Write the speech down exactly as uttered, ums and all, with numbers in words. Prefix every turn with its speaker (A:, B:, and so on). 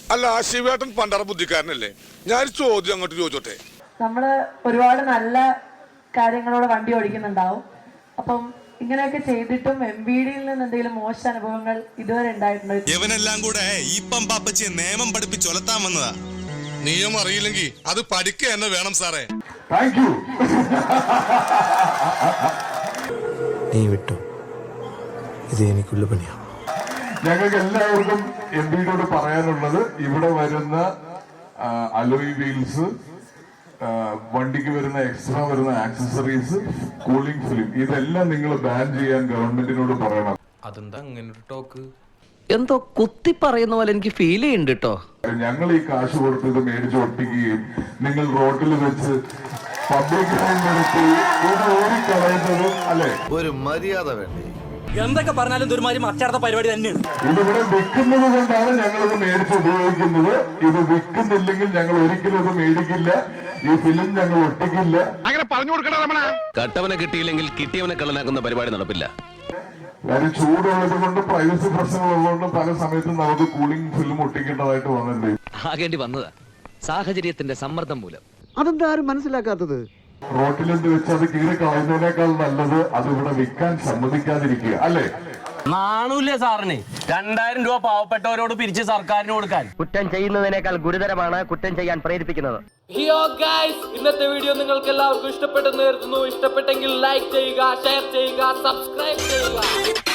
A: അല്ല ശിവേട്ടൻ പണ്ടറ ബുദ്ധിക്കാരനല്ലേ? ഞാൻ ചോദ്യം അങ്ങോട്ട് ചോദിച്ചോട്ടെ.
B: നമ്മള് ഒരുപാട് നല്ല കാര്യങ്ങളോട് വണ്ടി ഓടിക്കുന്നുണ്ടാവും. അപ്പം ഇങ്ങനെയൊക്കെ ചെയ്തിട്ടും എം ബി ഡിയിൽ നിന്ന് എന്തെങ്കിലും മോശം അനുഭവങ്ങൾ ഇതുവരെ ഉണ്ടായിട്ടുണ്ടോ?
C: ഇവനെല്ലാം കൂടെ ഈ പമ്പാപ്പച്ചിയെ നിയമം പഠിപ്പിച്ചൊലത്താൻ വന്നതാ.
A: നിയമം അറിയില്ലെങ്കിൽ അത് പഠിക്കുക തന്നെ വേണം സാറേ.
D: Thank you.
E: നീ വിട്ടു, ഇത് എനിക്കുള്ള പണിയാണ്.
D: ഞങ്ങൾക്ക് എല്ലാവർക്കും എം പിയോട് പറയാനുള്ളത്, ഇവിടെ വരുന്ന അലോയ് വീൽസ്, വണ്ടിക്ക് വരുന്ന എക്സ്ട്രാ വരുന്ന ആക്സസറീസ്, കൂളിംഗ് ഫിലിം, ഇതെല്ലാം നിങ്ങൾ ബാൻ ചെയ്യാൻ ഗവൺമെന്റിനോട് പറയണം.
F: അതെന്താ അങ്ങനെ ഒരു ടോക്ക്?
G: എന്തോ കുത്തി പറയുന്ന പോലെ എനിക്ക് ഫീൽ ചെയ്യുന്നുണ്ട് കേട്ടോ.
D: ഞങ്ങൾ ഈ കാശ് കൊടുത്ത് ഇത് മേടിച്ച് ഒട്ടിക്കുകയും നിങ്ങൾ റോഡിൽ വെച്ച് പബ്ലിക് നിർത്തി ഇത് ഓടിക്കളയുന്നതും അല്ലെ?
C: ഒരു മര്യാദ വേണ്ടേ?
F: എന്തൊക്കെ പറഞ്ഞാലും ദുർമാരി മറ്റടുത്ത പരിപാടി തന്നെയാണ്.
D: ഇതിവിടെ വിൽക്കുന്നത് കൊണ്ടാണ് ഞങ്ങളിത് മേടിച്ച് ഉപയോഗിക്കുന്നത്. ഇത് വിൽക്കുന്നില്ലെങ്കിൽ ഞങ്ങൾ ഒരിക്കലും ഇത് മേടിക്കില്ല. ഈ ഫിലിം ഞങ്ങൾ ഒട്ടിക്കില്ല.
A: അങ്ങനെ പറഞ്ഞു കൊടുക്കണ രമണ.
H: കട്ടവനെ കിട്ടിയില്ലെങ്കിൽ കിട്ടിയവനെ കള്ളനാക്കുന്ന പരിപാടി നടപ്പില്ല.
D: കാര്യം ചൂടുള്ളത് കൊണ്ട് പ്രൈവസി പ്രശ്നങ്ങളുള്ളതുകൊണ്ട് പല സമയത്തും നമുക്ക് കൂളിംഗ് ഫിലിം ഒട്ടിക്കേണ്ടതായിട്ട് വന്നിട്ടുണ്ട്.
H: ആകേണ്ടി വന്നതാ സാഹചര്യത്തിന്റെ സമ്മർദ്ദം മൂലം.
E: അതെന്താ ആരും മനസ്സിലാക്കാത്തത്?
D: റോട്ടിലെന്ത് വെച്ച് അത് കീറി കളയുന്നതിനേക്കാൾ നല്ലത് അത് ഇവിടെ വിൽക്കാൻ സമ്മതിക്കാതിരിക്കുക അല്ലേ?
F: നാണൂല്ലേ സാറിന് രണ്ടായിരം രൂപ പാവപ്പെട്ടവരോട് പിരിച്ച് സർക്കാരിന് കൊടുക്കാൻ?
G: കുറ്റം ചെയ്യുന്നതിനേക്കാൾ ഗുരുതരമാണ് കുറ്റം ചെയ്യാൻ പ്രേരിപ്പിക്കുന്നത്.
I: ഹിയോ ഗൈസ്, ഇന്നത്തെ വീഡിയോ നിങ്ങൾക്ക് എല്ലാവർക്കും ഇഷ്ടപ്പെട്ടെന്ന് കരുതുന്നു. ഇഷ്ടപ്പെട്ടെങ്കിൽ ലൈക്ക് ചെയ്യുക, ഷെയർ ചെയ്യുക, സബ്സ്ക്രൈബ് ചെയ്യുക.